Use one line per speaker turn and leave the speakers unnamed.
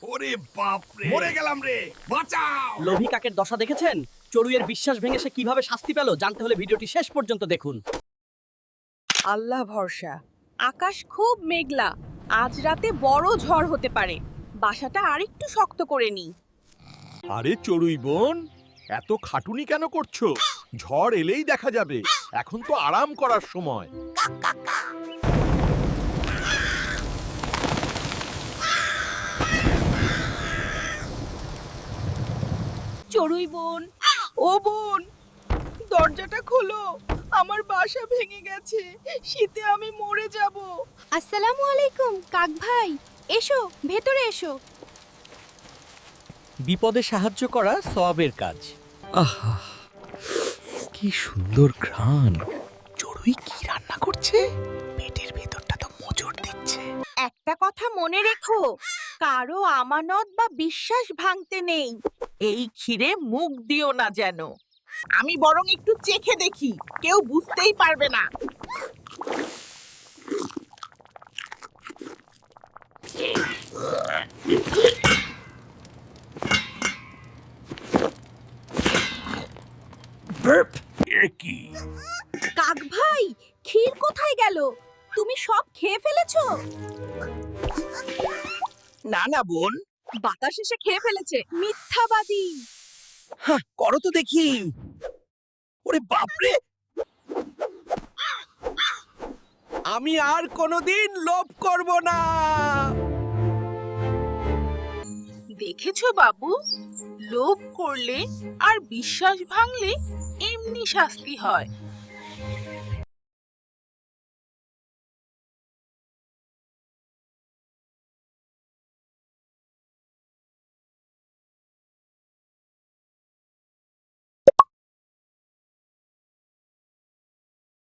ওরে বাপ রে, মরে গেলাম রে, বাঁচাও।
লোভী কাকের দশা দেখেছেন? চড়ুইয়ের বিশ্বাস ভেঙে সে কিভাবে শাস্তি পেল জানতে হলে ভিডিওটি শেষ পর্যন্ত দেখুন।
আল্লাহ ভরসা। আকাশ খুব মেঘলা, আজ রাতে বড় ঝড় হতে পারে। বাসাটা আরেকটু শক্ত করে নি।
আরে চড়ুই বোন, এত খাটুনি কেন করছো? ঝড় এলেই দেখা যাবে, এখন তো আরাম করার সময়।
চড়ুই বোন, ও বোন, দরজাটা খোলো, আমার বাসা ভেঙে গেছে, শীতে আমি মরে যাব।
আসসালামু আলাইকুম কাক ভাই, এসো ভেতরে এসো।
বিপদে সাহায্য করা সওয়াবের কাজ।
আহা, কি সুন্দর ঘ্রাণ। চড়ুই কি রান্না করছে? পেটের ভেতরটা তো মোচড় দিচ্ছে।
একটা কথা মনে রেখো, কারো আমানত বা বিশ্বাস ভাঙতে নেই। এই ক্ষীরে মুখ দিও না যেন। আমি বরং একটু চেখে দেখি, কেউ বুঝতেই পারবে না। কাক ভাই, ক্ষীর কোথায় গেল? তুমি সব খেয়ে ফেলেছো?
না না বোন,
বাতাস এসে খেয়ে ফেলেছে, মিথ্যাবাদী।
করো তো দেখি। ওরে বাপরে, আমি আর কোনোদিন লোভ করব না।
দেখেছো বাবু, লোভ করলে আর বিশ্বাস ভাঙলে এমনি শাস্তি হয়।